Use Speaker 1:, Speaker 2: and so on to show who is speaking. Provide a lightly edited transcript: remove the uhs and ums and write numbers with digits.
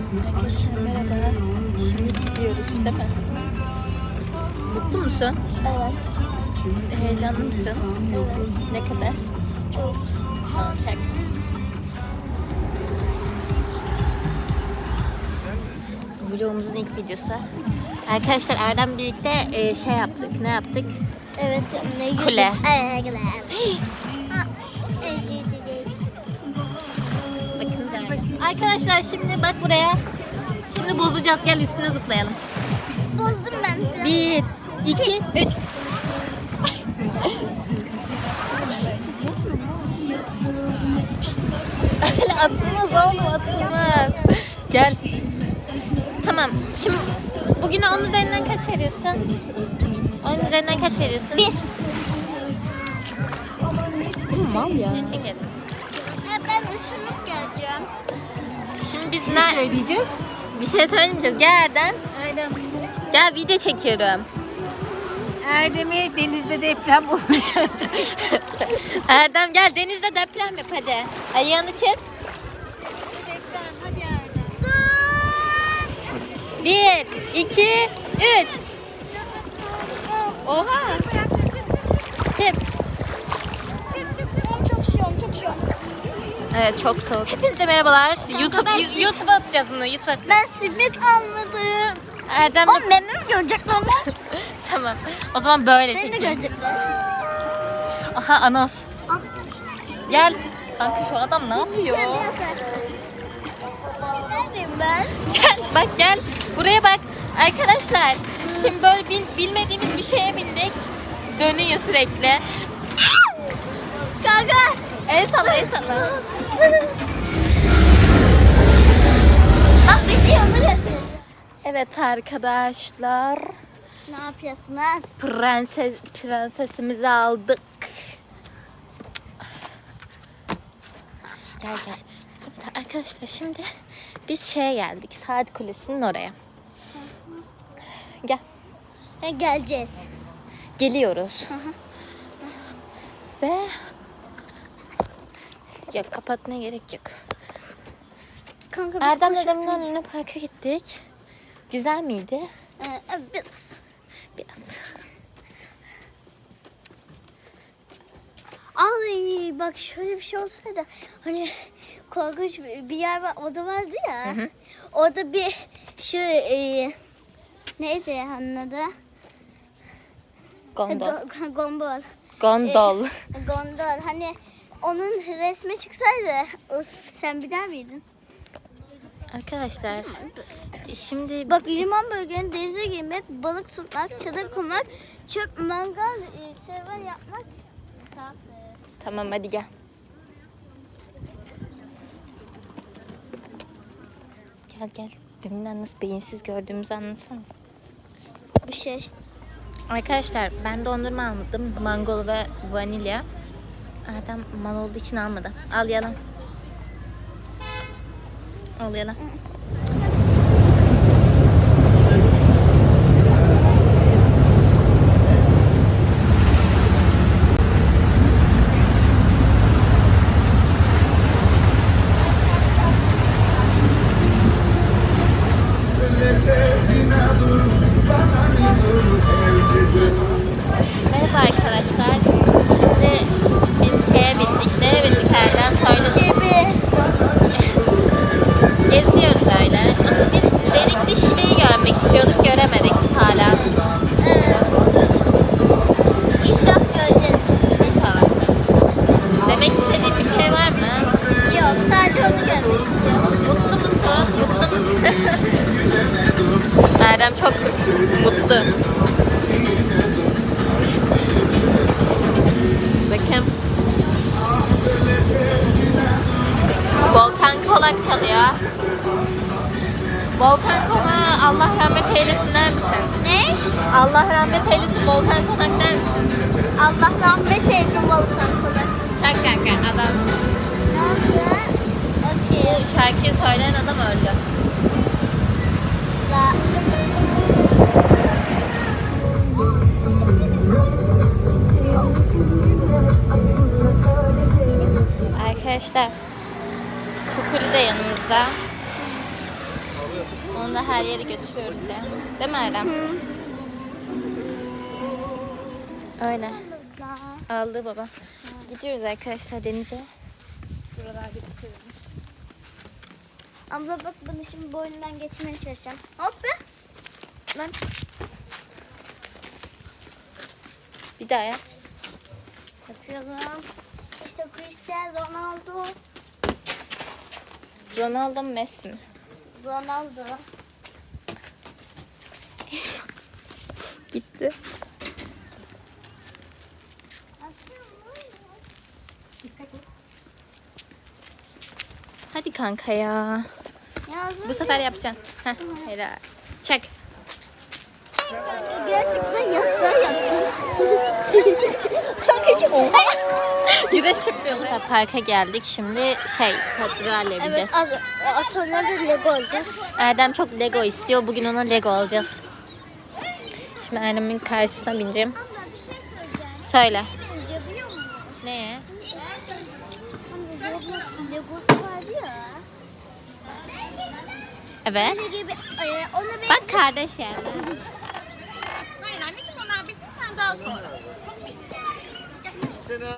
Speaker 1: Arkadaşlar merhaba. Şimdi gidiyoruz değil mi? Mutlu musun?
Speaker 2: Evet.
Speaker 1: Heyecanlı mısın?
Speaker 2: Evet.
Speaker 1: Ne kadar?
Speaker 2: Çok.
Speaker 1: Tamam çak. Vlogumuzun ilk videosu. Arkadaşlar Erdem birlikte şey yaptık. Ne yaptık?
Speaker 2: Evet. Ne
Speaker 1: Kule.
Speaker 2: Kule. Özür dilerim.
Speaker 1: Bakın da. Arkadaşlar şimdi bak buraya. Şimdi bozacağız. Gel üstüne zıplayalım.
Speaker 2: Bozdum ben biraz.
Speaker 1: 1, 2, 3. Öyle atılmaz oğlum, atılmaz. Gel. Tamam. Şimdi bugüne 10 üzerinden kaç veriyorsun? 10 üzerinden kaç veriyorsun?
Speaker 2: 1.
Speaker 1: Bu mal ya. Ne çekelim?
Speaker 2: Ben ışınıp geleceğim.
Speaker 1: Şimdi biz
Speaker 3: Ne söyleyeceğiz?
Speaker 1: bir şey söylemeyeceğiz. Gel Erdem.
Speaker 3: Aynen.
Speaker 1: Gel video çekiyorum.
Speaker 3: Erdem'i denizde deprem oluyor.
Speaker 1: Erdem gel denizde deprem yap hadi. Ayağını çırp.
Speaker 3: Deprem hadi Erdem.
Speaker 1: 1, 2, 3. Oha. Çırp.
Speaker 2: Çok şişiyorum, çok şişiyorum.
Speaker 1: Evet çok soğuk. Hepinize merhabalar. YouTube'a atacağız bunu. YouTube'a atacağız.
Speaker 2: Ben simit almadım.
Speaker 1: Erdem
Speaker 2: O mememi görecekler mi?
Speaker 1: Tamam. O zaman böyle
Speaker 2: Seni de
Speaker 1: çekeyim.
Speaker 2: görecekler.
Speaker 1: Aha Anos.
Speaker 2: Ah.
Speaker 1: Gel. Kanka şu adam ne yapıyor?
Speaker 2: Neredeyim ben?
Speaker 1: Gel bak gel. Buraya bak. Arkadaşlar şimdi böyle bilmediğimiz bir şeye bindik. Dönüyor sürekli.
Speaker 2: Kanka.
Speaker 1: El salla el salla.
Speaker 2: Bak bizi yolu gösteriyor.
Speaker 1: Evet arkadaşlar.
Speaker 2: Ne yapıyorsunuz?
Speaker 1: Prensesimizi aldık. Gel gel. Evet arkadaşlar şimdi biz şeye geldik. Saat Kulesi'nin oraya. Gel.
Speaker 2: Geleceğiz.
Speaker 1: Geliyoruz. Ve ya kapatmaya gerek yok.
Speaker 2: Kanka biz
Speaker 1: Erdem'le
Speaker 2: koşuyoruz.
Speaker 1: demin Luna Park'a gittik. Güzel miydi?
Speaker 2: Biraz.
Speaker 1: Biraz.
Speaker 2: Ay bak şöyle bir şey olsaydı hani korkunç bir yer var, oda vardı ya.
Speaker 1: Hı hı.
Speaker 2: Orada bir şu neydi onun adı?
Speaker 1: Gondol.
Speaker 2: Gondol.
Speaker 1: Gondol.
Speaker 2: Gondol. Hani onun resmi çıksaydı sen bilir miydin?
Speaker 1: Arkadaşlar şimdi
Speaker 2: Bak liman bölgenin denize girmek, balık tutmak, çadır kurmak, çöp, mangal, server yapmak.
Speaker 1: tamam hadi gel. Gel gel. Deminden nasıl beyinsiz gördüğümüzü anlasana.
Speaker 2: Bir şey.
Speaker 1: Arkadaşlar ben dondurma almadım. Mangol ve vanilya. Erdem mal olduğu için almadı. Al yalan. Al yalan. Merhaba arkadaşlar. Şimdi biz şeye bindik. Nereye bindik Erdem? Söyle. Geziyoruz öyle. Ama biz Delikli Şile'yi görmek istiyorduk. Göremedik hala.
Speaker 2: Evet. İnşallah göreceğiz.
Speaker 1: İnşallah. Demek istediğin bir şey var mı?
Speaker 2: Yok, sadece onu görmek istiyorum.
Speaker 1: Mutlu musun? Mutlu musun? Erdem çok mutlu. Bakın. Volkan Kolak çalıyor. Volkan Kolak Allah rahmet eylesin der misin?
Speaker 2: Ne?
Speaker 1: Allah rahmet eylesin Volkan Kolak der misin?
Speaker 2: Allah rahmet eylesin Volkan Kulak.
Speaker 1: Şak kanka adam.
Speaker 2: Ne oldu? Okey.
Speaker 1: Bu şarkıyı söyleyen adam öldü.
Speaker 2: La.
Speaker 1: Arkadaşlar Kukuli de yanımızda. Onu da her yere götürüyoruz ya. Değil mi Erdem? Öyle. Aldı baba. Gidiyoruz arkadaşlar denize.
Speaker 3: Buralarda bir şey olmuş.
Speaker 2: Abla bak bunu şimdi boynundan geçmeye çalışacağım. Hop be.
Speaker 1: Lan. Bir daha yap.
Speaker 2: Yapıyorum. İşte Cristiano Ronaldo.
Speaker 1: Ronaldo mu Messi mi?
Speaker 2: Ronaldo.
Speaker 1: Gitti. Hadi kanka ya.
Speaker 2: Yazın.
Speaker 1: Bu sefer yapacaksın. Heh, helal. Çek.
Speaker 2: Gerçekten yastığa yattım. Kanka şu
Speaker 1: Güreş yapıyoruz. Parka geldik. Şimdi katedrale
Speaker 2: Evet
Speaker 1: gideceğiz.
Speaker 2: az sonra da Lego alacağız.
Speaker 1: Erdem çok Lego istiyor. Bugün ona Lego alacağız. Şimdi Erdem'in karşısına bineceğim.
Speaker 2: Abla bir şey söyleyeceğim.
Speaker 1: Söyle.
Speaker 2: Benziyor biliyor musun?
Speaker 1: Neye?
Speaker 2: Tam Roblox'un Legosu vardı ya.
Speaker 1: Evet.
Speaker 2: Ne gibi? Ona benziyor.
Speaker 1: Bak kardeş yani.
Speaker 3: Hayır anneciğim onlar bilsin sen daha sonra.